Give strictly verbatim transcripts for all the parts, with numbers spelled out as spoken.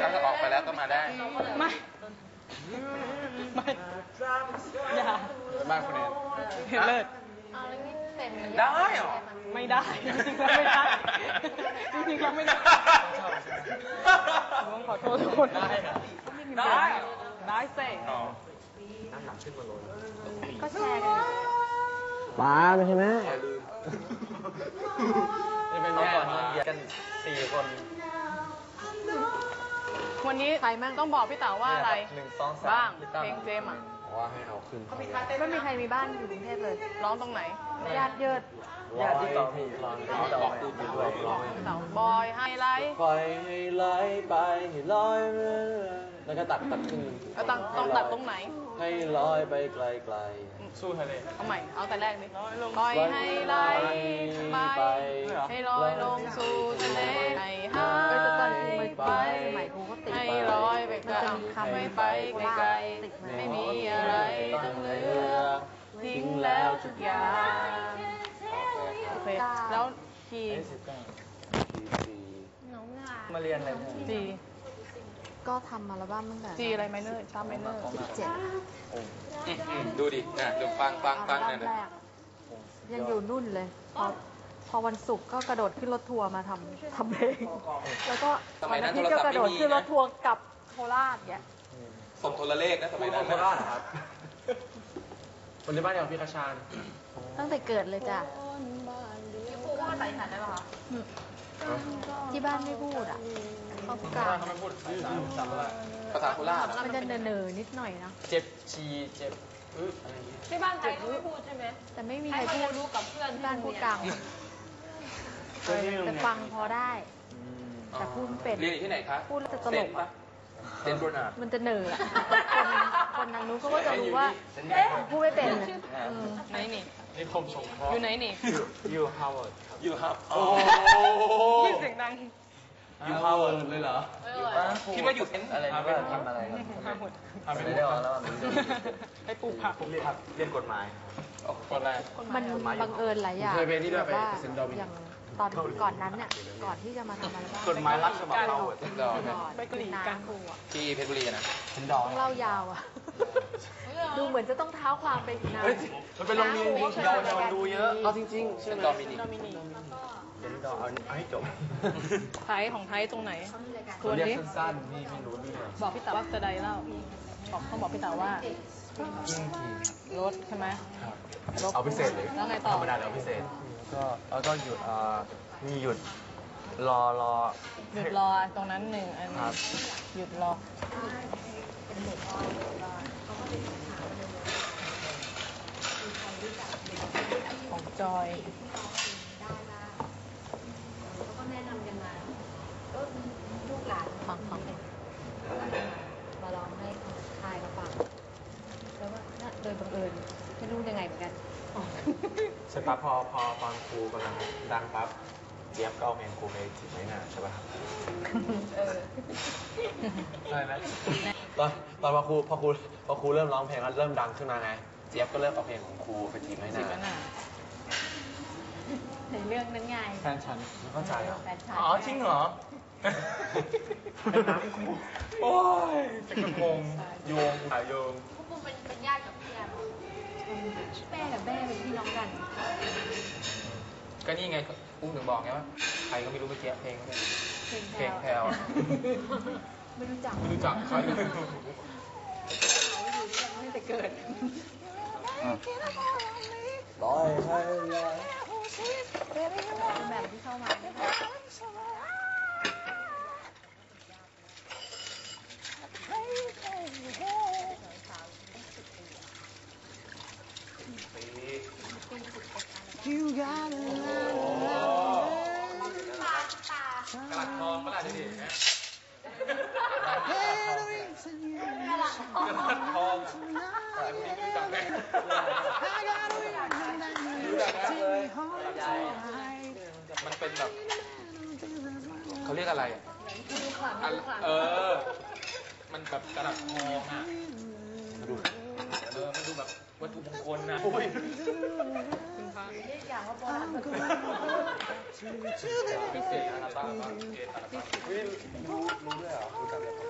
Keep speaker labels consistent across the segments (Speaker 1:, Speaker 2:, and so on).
Speaker 1: ถ้าออกไปแล้วก็มาได้
Speaker 2: ไม่ไม่อย่า
Speaker 1: บ้านคุณเอง
Speaker 2: เห็นเลิศ
Speaker 1: ได้หรอ
Speaker 2: ไม่ได้จริงๆแล้วไม่ได้จริงๆแล้วไม่ได้ต้องขอโทษทุกคนได้
Speaker 1: ได้
Speaker 2: ได้เซ่
Speaker 1: น้ำหนักขึ้นมาเลย
Speaker 2: ก็แชร์กัน
Speaker 3: ป้าไม่ใช่ไหม
Speaker 1: จะเป็นแม่ก่อนเย็นกันสี่คน
Speaker 2: วันนี้ต้องบอกพี่เต๋าว่าอะไรบ้างเพลงเจมอ่ะ
Speaker 3: ว่าให้เอาขึ้น
Speaker 4: ไม่มีใครมีบ้านอยู่กรุงเทพเลย
Speaker 2: ร้องตรงไหน
Speaker 4: ญาติเยิด
Speaker 3: ญาติที่ต่อมีตอนที่ต่อบอกพูดด้วยร้อง
Speaker 2: เต๋าบอยไฮไลท์
Speaker 3: ปล่อยให้ไหลไปให้ลอยแล้วก็ตัดตัดขึ้น
Speaker 2: แล้วต้องต้องตัดตรงไหน
Speaker 3: ให้ลอยไปไกล
Speaker 1: ๆสู้ทะเล
Speaker 2: เอาใหม่เอาแต่แรกนี่ปล่อยให้ไหลไปให้ลอยลงสู่ทะเลให้หายไปให้ลอยไปไกลไม่ไปไกลไม่มีอะไรต้องเหลือทิ้งแล้วทุกอย่างโอเคแล้วคี
Speaker 1: มาเรียนอะไร
Speaker 2: จี
Speaker 4: ก็ทำอัลบั้มตั้งแต่
Speaker 2: จีอะไรไมเนอร์ชาไมเนอร์
Speaker 4: เจ็ด
Speaker 1: ดูดินะดูฟังฟังฟังเนี่ย
Speaker 4: ยังอยู่นุ่นเลยพอพอวันศุกร์ก็กระโดดขึ้นรถทัวร์มาทำทำเพลงแล้วก็วันอาทิตย์ก็กระโดดขึ้นรถทัวร์กับโคราชเนี่ย
Speaker 1: ส่งโทรเลขนะสมัยนั้น
Speaker 3: โคราชครับคนที่บ้านอย่างพี่คชาน
Speaker 4: ตั้งแต่เกิดเลยจ้ะ
Speaker 2: ที่พูดว่าใส่ฉันได้ป่ะคะ
Speaker 4: ที่บ้านไม่พูดอ่ะเขาพูดกลาง
Speaker 1: เขาไม่พูดภาษาโคราช
Speaker 4: มันจะเนอๆนิดหน่อยนะ
Speaker 1: เจ็บชีเจ็บอึอะไรอย่างงี้
Speaker 2: ที่บ้านไทยก็ไม่พูดใช่ไหม
Speaker 4: แต่ไม่มีใครพูด
Speaker 2: รู้กับเพื่อน
Speaker 4: ที่บ้านพูดกลางแต่ฟังพอได้แต่พูดเป็น
Speaker 1: เรียนอยู่ที่ไหนคะ
Speaker 4: พูดแล้วจะตลกอ่ะ
Speaker 1: เซนโบนา
Speaker 4: มันจะเหนื่อยคนคนทางนู้นเขาก็จะรู้ว่าเอ๊ะพูดไม่เป็น
Speaker 2: ไหนนี่
Speaker 1: นี่คมสงเคราะห์
Speaker 2: อยู่ไหนนี่
Speaker 1: อยู่ฮาร์วาร์ดอยู่ฮาร์วาร์ดโอ้
Speaker 2: ยิ่งเสียงดัง
Speaker 1: อยู่ฮาร์วาร์ดเลยเหรอคิดว่าอยู่เซน
Speaker 3: อะไรนี่ทำอะไร
Speaker 1: ทำ
Speaker 3: ไม่ได้ออกแล้ว
Speaker 2: ให้ปลูกผัก
Speaker 3: ผมเรียนเรียนกฎหมาย
Speaker 1: คนแรก
Speaker 4: มันบังเอิญหลายอย่างแบบว่าอย่างตอนก่อนนั้นเนี่ยก่อนที่จะมาทำอะไรบ้าง
Speaker 3: กฎหมายรัฐฉบับเรา
Speaker 2: ไปกรีดกันครูอ่ะ
Speaker 1: ที่เพชรบุรีนะ
Speaker 4: ต้องเล่ายาวอ่ะดูเหมือนจะต้องเท้าความไปอีกนาน
Speaker 3: มันเป็นโรงเรียนดีเยาวชนดูเยอะเอาจริงๆใช่ไหม
Speaker 1: ดอมินิก
Speaker 2: ดอมินิก
Speaker 3: เดี๋ยวเราเอาให้จบ
Speaker 2: ไทยของไทยตรงไหน
Speaker 3: ตัวนี้สั้นๆนี่ไม่รู้นี่
Speaker 2: บอกพี่เต๋าว่าจะใดเล่าบอกเขาบอกพี่เต๋าว่าลดใช่ไหม
Speaker 3: เอาพิเศษเลย
Speaker 2: แล้วไงต่อ
Speaker 3: ธรรมดาแล้วพิเศษก็แล้วก็หยุดอ่ามีหยุดรอรอ
Speaker 2: หยุดรอตรงนั้นหนึ่งอันหยุดรอของจอย
Speaker 4: เขาก็แนะนำกันมาก็ลูกหลานฟังฟังเองมาลองให้ทายมาฟังแล้วว่าโดยบังเอิญไม่รู้ยังไงเหมือนกัน
Speaker 3: ใช่ปั๊บพอพอตอนครูกำลังดังปั๊บเจี๊ยบก็เอาเพลงครูไปจีบไว้น่ะใช่ป่ะครับใช่ไหมตอนตอนพอครูพอครูพอครูเริ่มร้องเพลงแล้วเริ่มดังขึ้นมาไงเจี๊ยบก็เริ่มเอาเพลงของครูไปจีบไว้น่ะ
Speaker 4: ในเรื่องนั้นไง
Speaker 3: แฟนฉันไม่เข้าใจหรอ
Speaker 1: อ๋อจริงเหรอโอ้ยจะกระพงโยงสายโยง
Speaker 4: พวกมึงเป็นเป็นญาติกับพี่แอมแม่กับแม่เป็นพี่น้องกัน
Speaker 1: ก็นี่ไงอุ้มถึงบอกไงว่าใครก็ไม่รู้เมื่อกี้เพลงเพลงแพลว
Speaker 4: ไม่รู้จัก
Speaker 1: ไม่รู้จักใครไม่รู้
Speaker 4: ไม่แต่เกิด
Speaker 3: ลอยให้ลอย
Speaker 4: แบบที่เข้ามา
Speaker 1: กระลัดทองกระลัดดิฮะกระลัดทองแต่พวกนี้ไม่รู้จักไหมรู้จักนะมันเป็นแบบเขาเรียกอะไรอ่ะเออมันแบบกระลัดทองอ่ะเออมันดูแบบวัตถุมงคลนะ
Speaker 4: อย่างว่าโบราณ
Speaker 1: พิเศษอะไรบ้างพิเศษอะไรบ้างรู้รู้ด้วยเหรอรู้จักเลย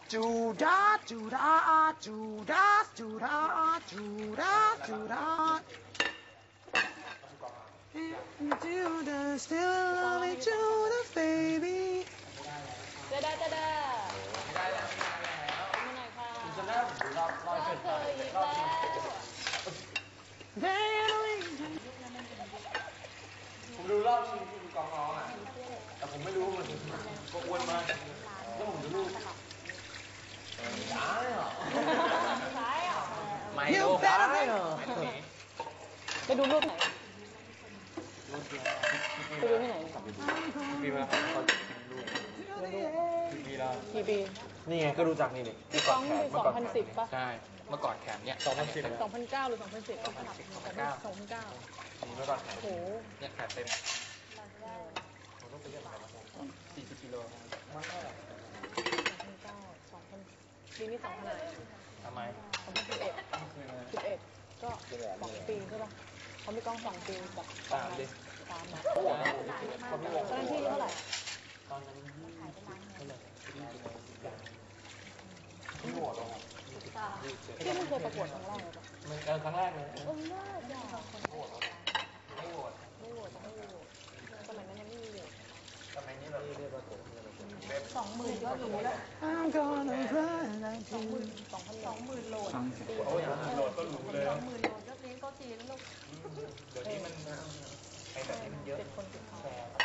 Speaker 3: จูดาจูดาจูดาจูดาจูดาจูดา Do the still love me to the baby
Speaker 2: เดาเดาเดาไม่ได้แล้วไม่ได้แล้วมาหน่อยค่ะจะเริ่มรอบรอบเธออีกแล้ว
Speaker 3: ผมดูรอบชิงที่คุณกองร้องอ่ะแต่ผมไม่รู้มันก็อ้วนมากแล้วผมจะรู้ได้เหรอ
Speaker 1: ไม่ดูได้เหรอ
Speaker 2: ไปดูรูปไหนไปดูที่ไหน
Speaker 1: ปีมาปีแล้ว
Speaker 2: กี่ปี
Speaker 3: นี่ไงก็รู้จักนี่นี่
Speaker 2: พี่ก้องปีสองพันสิบป่ะ
Speaker 1: ใช่เมื่อก่อนแขนเนี่ยสองพันสิบ
Speaker 2: สองพันเก้าหรือสองพันสิบสองพันสิบสองพันเก้าสองพันเก้า
Speaker 3: เมื่อก่อนแข่ง
Speaker 2: โอ้โห
Speaker 1: เนี่ยแขนเต็มสี่สิบกิโล
Speaker 2: สองพันเก้าสองพันปีนี้สองพันอะไร
Speaker 1: ทำไม
Speaker 2: สองพันสิบเอ็ดสิบเอ็ดก็สองปีใช่ป่ะเขามีกล้องสองปีกับ
Speaker 1: สามดิ
Speaker 2: สามนะ
Speaker 1: โอ้โห
Speaker 2: ตอนนั้นที่เท่าไหร่
Speaker 1: ตอนนั้นเท่าไหร่ที่โหดลง
Speaker 2: ที่มันเคยประกวดครั้งแรกเลยป่ะ
Speaker 1: มันเออครั้งแรกเลย
Speaker 2: เออน่าจะ
Speaker 1: โหดไม่โหด
Speaker 2: ไม่โหวตไม่โหวตสมัยนั้นยังไม่มีโหวต
Speaker 1: ทำไมนี่เราเรียกว่าโหด
Speaker 2: สองหมื่นก็รู้แล้ว
Speaker 3: I'm gonna run
Speaker 2: สองหมื่นสองพันสองหมื่นโหลด
Speaker 1: โอ้ยโหดก็รู้เลย
Speaker 2: สองหมื่นโหลดก็เลี้ยงโต๊ะจีนแล้วลูก
Speaker 1: เดี๋ยวนี้มันไอ้แบบนี้มันเยอะ
Speaker 2: เจ็ดคนติดเขา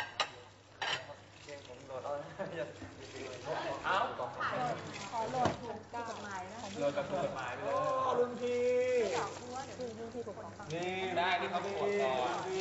Speaker 1: เอ้า
Speaker 2: ขอโหลดถูกกฎหมายนะ
Speaker 1: เลยกับกฎหมายไปเลย
Speaker 3: รุ่นพี่
Speaker 2: คือรุ่นที่ถูกต้อง
Speaker 3: นี่
Speaker 1: ได้ที่เขาประกวดก่อน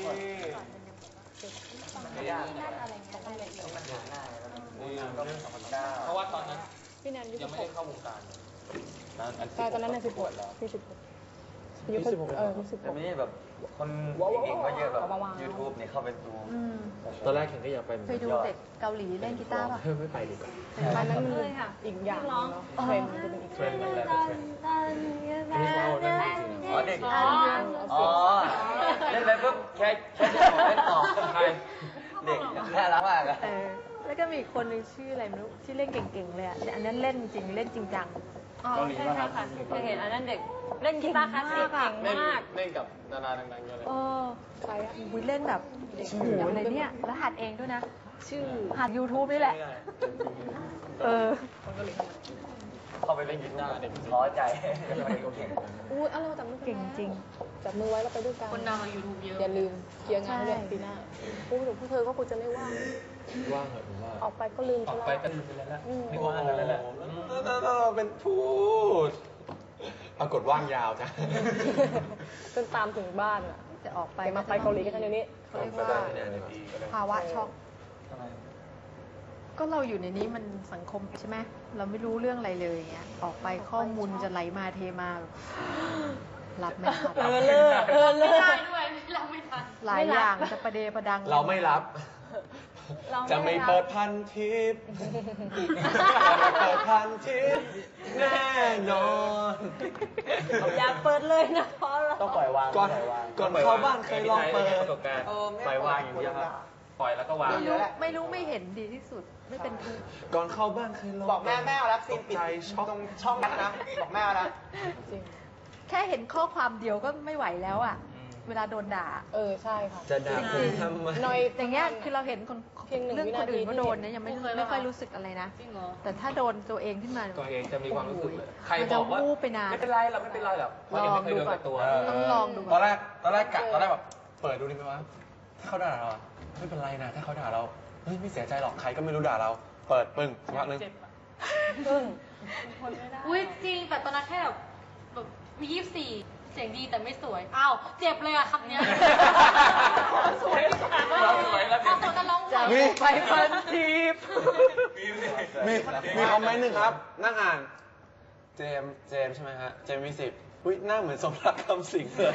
Speaker 2: ไม่ยากอะไรเงี้ยต้องเรียนเลย
Speaker 3: นี่ก็เป็นสองพันเก้า
Speaker 1: เพราะว่าตอนนั้น
Speaker 2: พี่แนนยุค
Speaker 1: ยังไม่
Speaker 2: ห
Speaker 1: ได้
Speaker 2: ก
Speaker 1: เข้าวงการ
Speaker 2: ใช่ตอนนั้นในสิบหกพี่สิบหกยุคสิบหกเออยุคสิบห
Speaker 5: แต่
Speaker 2: ก
Speaker 5: ไม่ได้แบบคนเก่งๆก็เยอะแบบ YouTube เนี่ยเข้าไปดู
Speaker 3: ตอนแรกเห็นก็อยากไป
Speaker 4: เคยดูเด็กเกาหลีเล่นกีตาร์ป่ะ
Speaker 3: ไม่ไปดีกว่า
Speaker 2: ตอนนั้นมันอีกอย่างเนาะเทรนด์มันจะเป็นอีกเทรนด์
Speaker 3: มันแล้วเทรนด์อันนี้เขาเล่นจริงๆ
Speaker 5: อ๋อเด็ก
Speaker 2: อ๋อ
Speaker 5: อ๋อเล่นไปปุ๊บแค่แค่จะบอกเล่นต่อใครเด็กน่ารักมากอะ
Speaker 4: เออ แล้วก็มีอีกคนนึงชื่ออะไรไม่รู้ที่เล่นเก่งๆเลยอ่ะอันนั้นเล่นจริงเล่นจริงจัง
Speaker 2: อ๋อใช่ใช่ค่ะเคยเห็นอันนั้นเด็กเล่นกีตาร์คลาสสิกเก่งมาก
Speaker 3: เล่นกับดาราดังๆเยอะเลย
Speaker 4: เออ
Speaker 2: ใครอะ
Speaker 4: วิเล่นแบบโอ้โหเลยเนี่ย แล้วหัดเองด้วยนะ
Speaker 2: ชื่อ
Speaker 4: หัด YouTube นี่แหละ เออ
Speaker 5: เข้าไปเล่นกีตาร์เด็กท้อใจเก่ง
Speaker 2: อุ้ยอะไรจับมือ
Speaker 4: เก่งจริง
Speaker 2: จับมือไว้แล้วไปด้วยกันคนดังในยูทูบเยอะอย่าลืมเคลียร์งานเรื่องปีหน้าพูดถึงพวกเธอก็คงจะไม่ว่าง
Speaker 3: ว่างเหรอผมว่า
Speaker 2: ออกไปก็ลืม
Speaker 1: ออก
Speaker 2: ซะ
Speaker 1: ไป
Speaker 2: แล้ว
Speaker 1: ก็ลืมไปแล้วไม่ว่างแล้วแหละ
Speaker 3: เป็นพูดปรากฏว่างยาวจ้ะ
Speaker 2: จนตามถึงบ้านอ่ะ
Speaker 4: จะออกไป
Speaker 2: ไปมาไปเกาหลีกันเดี๋ยวนี้
Speaker 4: เขาเรียกว่าภาวะช็อก ก็เราอยู่ในนี้มันสังคมใช่ไหม เราไม่รู้เรื่องอะไรเลยอย่างเงี้ย ออกไปข้อมูลจะไหลมาเทมาแบบรับไม่ทัน
Speaker 2: เออเลิกเออเลิก
Speaker 4: หลายอย่างจะประเดประดัง
Speaker 3: เราไม่รับ จะไม่เปิดพันทิปจะไม่เปิดพันทิปแน่นอน
Speaker 2: อย่าเปิดเลยนะเพราะเรา
Speaker 5: ต้องปล่อยวาง
Speaker 3: ก่อน
Speaker 5: ปล่อยวาง
Speaker 3: ก่อนเข้าบ้านเคยลองเปิด
Speaker 1: ประสบการณ์ปล่อยวางอย่างเดียวครับปล่อยแล้วก็วาง
Speaker 4: ไม่รู้ไม่รู้ไม่เห็นดีที่สุด ไม่เป็นทุกข์
Speaker 3: ก่อนเข้าบ้านเคยลอง
Speaker 6: บอกแม่แม่เอารับซีนปิด
Speaker 3: ตกใจช็อก
Speaker 6: ตรงช่องนั้นนะ บอกแม่เอานะ
Speaker 2: จริง
Speaker 4: แค่เห็นข้อความเดียวก็ไม่ไหวแล้วอ่ะ เวลาโดนด่า
Speaker 2: เออใช่ค่ะ
Speaker 3: จะด่าผมทำไม
Speaker 2: หน่อย
Speaker 4: อย่างเงี้ยคือเราเห็นคน
Speaker 2: เพียงหนึ่ง
Speaker 4: เรื่อง
Speaker 2: วิ
Speaker 4: ค
Speaker 2: นาที
Speaker 4: นอื่นก็โดนเนี่ย
Speaker 2: ที่
Speaker 4: ยังไม่
Speaker 2: เคย
Speaker 4: ไม่ค่อย
Speaker 2: ปะ
Speaker 4: รู้สึกอะไรนะ
Speaker 2: จริงเหรอ
Speaker 4: แต่ถ้าโดนตัวเองขึ้นมา
Speaker 1: ตัวเองจะมีความรู้สึกเลย
Speaker 4: โอ้โห
Speaker 1: ใครบอกว่า
Speaker 4: มันจะวูบไปนาน
Speaker 1: ไม่เป็นไรเราไม่เป็นไรหรอกเพราะยังไม่เคยโดนกับตัว
Speaker 4: ต้องลองดู
Speaker 3: ตอนแรกตอนแรกกะตอนแรกแบบเปิดดูดิไหมวะถ้าเขาด่าเราอะไม่เป็นไรนะถ้าเขาด่าเราเฮ้ยไม่เสียใจหรอกใครก็ไม่รู้ด่าเรา เปิดปึ้งสักพักหนึง
Speaker 2: ปึ้ง
Speaker 7: อุ้ยจริงแต่ตอนนั้นแค่แบบแบบมียี่สิบสี่เสียงดีแต่ไม่สวยอ้าวเจ็บเลยอะคำเนี้ยสวยดีกว่า
Speaker 1: เราสวยแล้ว
Speaker 7: พอตัวจะร้องสวย
Speaker 3: มีไปพันทิปมีมีคอมเมนต์หนึ่งครับ นั่งอ่าน เจมส์เจมส์ใช่ไหมฮะ เจมส์มีสิบอุ้ยหน้าเหมือนสมรักคำสิงเลย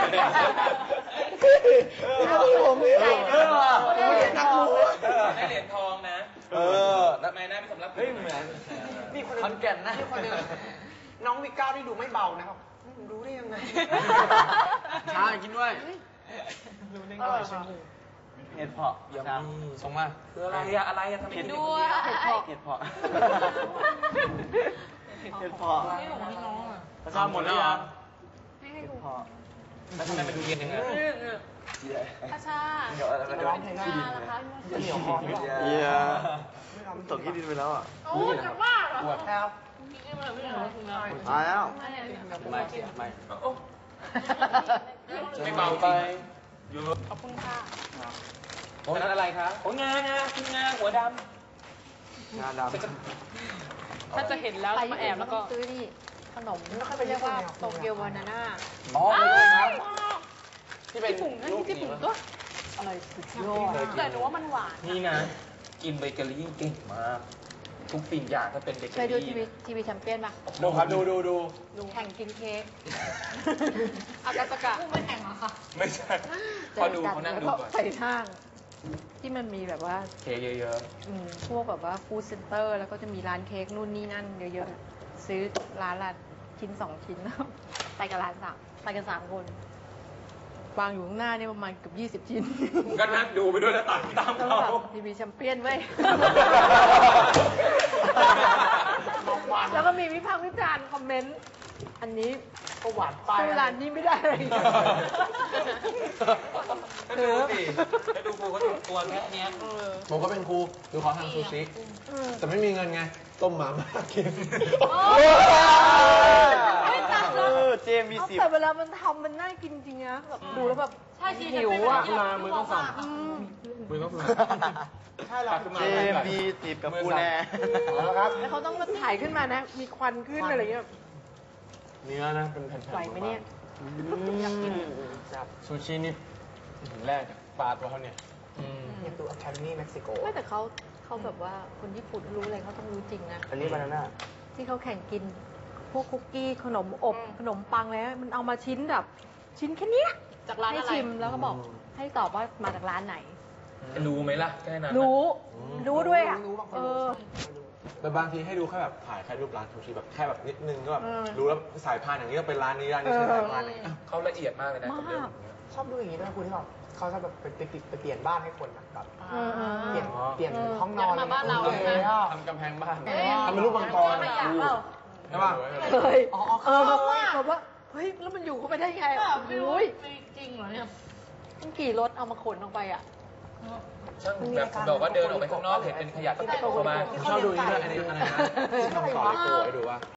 Speaker 3: ผมเออเออว่ะนักรู้
Speaker 1: ได้เหรียญทองนะ
Speaker 3: เออ
Speaker 1: ทำไมหน้าไม่สำรับ
Speaker 5: เฮ้ยเหมือน
Speaker 6: มีคน
Speaker 5: ขอนแก่นนะ
Speaker 6: มีคนหนึงน้องวิก้าที่ดูไม่เบานะครับรู้ได้ยังไง
Speaker 3: ชากินด้วย
Speaker 6: อร่อยมาก
Speaker 5: เห็ดเพาะ
Speaker 1: เยี่ยม
Speaker 5: ครับ
Speaker 3: ส่งมา
Speaker 1: คืออะไรอะอะไรอะทำไม
Speaker 2: เห็น
Speaker 1: ถึง
Speaker 2: ด้วย
Speaker 5: เห็ดเพาะเห็ดเพาะเห็ดเพาะ
Speaker 7: ไม่ของพี่น้องอ่ะ
Speaker 5: ประชาหมดแล้วเหรอ
Speaker 7: ไม่ให้
Speaker 5: เห็ด
Speaker 7: ดู
Speaker 5: เพาะ
Speaker 1: แล้วทำไมมันดูเย็นอย่างนั้น
Speaker 7: พระชา
Speaker 5: เดี๋ยวอะไร
Speaker 7: จิ
Speaker 5: มัน
Speaker 7: ต
Speaker 5: จะ
Speaker 7: ร้
Speaker 5: ร้
Speaker 7: อ
Speaker 5: อง ง
Speaker 7: เพ
Speaker 5: เพ
Speaker 7: ล
Speaker 5: ล
Speaker 7: ง
Speaker 5: ง
Speaker 7: หน้านะคะ
Speaker 6: เหนียวคอด้วย
Speaker 5: เยี่ยตกที่ดินไปแล้วอ่ะ
Speaker 7: โอ้ยจะบ้าเหรอ
Speaker 3: ปวด
Speaker 6: แล้ว
Speaker 7: พี่ไม่มาไม่มาคุณแล้ว
Speaker 5: ตายแล้ว
Speaker 7: ไม่ไม่
Speaker 3: ไม่ไม่
Speaker 1: โอ้ไม่เบาจ
Speaker 3: ไป
Speaker 1: ริงเยอะ
Speaker 7: ขอบคุณค่ะ
Speaker 3: โอ้นั้นอะไรครับ
Speaker 1: โอ้งานนะคุณงานหัวด
Speaker 3: งาดำ
Speaker 2: ถ้าจะเห็นแล้ว
Speaker 4: ไป
Speaker 2: มาแอบแล้วก็
Speaker 4: ซื้อนี่ขนม
Speaker 6: ไม่ค่อยไป
Speaker 4: เรียกว่า
Speaker 6: ญี่ปุ่นเลย
Speaker 4: โตเกียวบานาน่า
Speaker 3: อ๋อเลยครับที่เป็น
Speaker 2: ญี่ปุ่นนะ
Speaker 3: รูป
Speaker 2: ญี่ปุ่น
Speaker 3: นี้
Speaker 2: ก็
Speaker 4: อะไรสุดยอด
Speaker 2: แต่หนูว่ามันหวาน
Speaker 1: ำนี่นะ กินเบเกอรี่เก่งมาก ทุกสิ่งอย่างถ้าเป็นเบเกอ
Speaker 4: เคยดู
Speaker 1: รี่
Speaker 4: ทีวีทีวีแชมเปี้ยนปะ
Speaker 3: ดูครับดูดูดู
Speaker 4: แข่งกินเค้ก
Speaker 2: อากาศกะ
Speaker 7: พูดไม่แข่งเหรอคะ
Speaker 1: ไม่ใช่พอดูเขานั่งดู
Speaker 4: แล้ว
Speaker 1: ก่อน
Speaker 4: ใส่ห้าง ที่มันมีแบบว่า
Speaker 1: เค้กเยอะ
Speaker 4: อืมพวกแบบว่าฟู้ดเซ็นเตอร์ แล้วก็จะมีร้านเค้กนู่นนี่นั่นเยอะๆ ซื้อร้านละชิ้นสองชิ้น ไปกับร้านสามไปกันสามคน วางอยู่ข้างหน้านี่ประมาณเกือบยี่สิบชิ้น
Speaker 1: ๆก็นั่งดูไปด้วยแล้วตามตาม
Speaker 4: แล้ว
Speaker 1: เขา
Speaker 4: แบบทีวีแชมเปี้ยนเว้ย แล้วก็มีวิพากษ์วิจารณ์คอมเมนต์ อันนี้
Speaker 6: ก็หวานไป
Speaker 4: สู้ร้านนี้ไม่ได้เลย
Speaker 1: ก็ดูสิก็ดูกูเขาทำตัวแค่เนี้ย
Speaker 3: ผมก็เป็นครูดูเขาทำซูชิแต่ไม่มีเงินไง ต้มหมาม่ากิน
Speaker 4: ไม่จับ
Speaker 5: เอ
Speaker 4: แล้ว
Speaker 5: อเจมมีสิบ
Speaker 4: แต่เวลามันทำมันน่ากินจริงนะแบบดูแล้วแบบ
Speaker 7: ใช่ชี
Speaker 4: หิวอ่ะ
Speaker 1: มามือต้องสั่น
Speaker 4: อืม
Speaker 1: มือต้องสั่น
Speaker 6: ใช่เรา
Speaker 5: เจมมีสิบกับกูแน่
Speaker 3: เอาละครับ
Speaker 4: แล้วเขาต้องมาถ่ายขึ้นมานะ มีควันขึ้นอะไรเงี้ย
Speaker 3: เนื้อนะเป็นแผ่นๆ
Speaker 4: ไหวไหมเนี่ย
Speaker 3: จับซูชินี่แรกจากปลาตัวเขาเนี่ย
Speaker 1: อืม
Speaker 6: อยากดู Academy Mexico
Speaker 4: ไม่แต่เขาเขาแบบว่าคนญี่ปุ่นรู้อะไรเขาต้องรู้จริงนะ
Speaker 5: อันนี้บานาน่า
Speaker 4: ที่เขาแข่งกิน พวกคุกกี้ขนมอบขนมปังแล้วมันเอามาชิ้นแบบ ชิ้นแค่เนี้ย
Speaker 2: จากร้าน
Speaker 4: ให้
Speaker 2: อะไร
Speaker 4: ชิมแล้วก็บอกให้ตอบว่ามาจากร้านไหน
Speaker 1: รู้ไหมล่ะแค่นั้น
Speaker 4: รู้ รู้ด้วยอ่ะ
Speaker 6: รู้บางคน
Speaker 4: เอ
Speaker 6: รู้
Speaker 4: อ
Speaker 3: แต่บางทีให้ดูแค่แบบถ่ายแค่รูปร้านซูชิแบบแค่แบบนิดนึงก็แบบ
Speaker 4: เออ
Speaker 3: รู้แล้วสายพานอย่างนี้ก็เป็นร้านนี้ร้านนี้ใช่สายพานอย่างนี้
Speaker 1: เขาละเอียดมากเลยนะกับเรื่อง
Speaker 4: มาก
Speaker 1: นี้
Speaker 6: ชอบดูอย่างนี้ด้วยคุณที่แบบเขาชอบแบบไปไปติดไปเปลี่ยนบ้านให้คนอะแบบ
Speaker 4: เออเออ
Speaker 6: เปลี่ยน
Speaker 3: อ๋อ
Speaker 6: เปลี่ยนห้องนอน
Speaker 2: อยากมาบ้านเรา
Speaker 6: ออ
Speaker 2: ใช่ไหม
Speaker 3: ทำกำแพงบ้าน
Speaker 4: เออ
Speaker 3: ทำเป็นรูปมังกร
Speaker 7: ไม่อยากเปล่า
Speaker 3: ใช่ป่ะ
Speaker 4: เคย
Speaker 6: อ๋ออ๋อ
Speaker 4: เออแบบว่าเฮ้ยแล้วมันอยู่เข้าไปได้ไง
Speaker 7: แบบไม่รู้
Speaker 4: โอ้ย
Speaker 7: ไม่จริงเหรอเนี่ย
Speaker 4: มันกี่รถเอามาขนออกไปอ่ะ
Speaker 1: ช่างแบบคุณบอกว่าเดินออกไปข้างนอกเห็นเป็นขยะก็เก็บเข้ามา
Speaker 3: ผมชอบดูนี่ด้วยอันนี้อะไรนะที่ทำต่อเลโก้ให้ดูว่า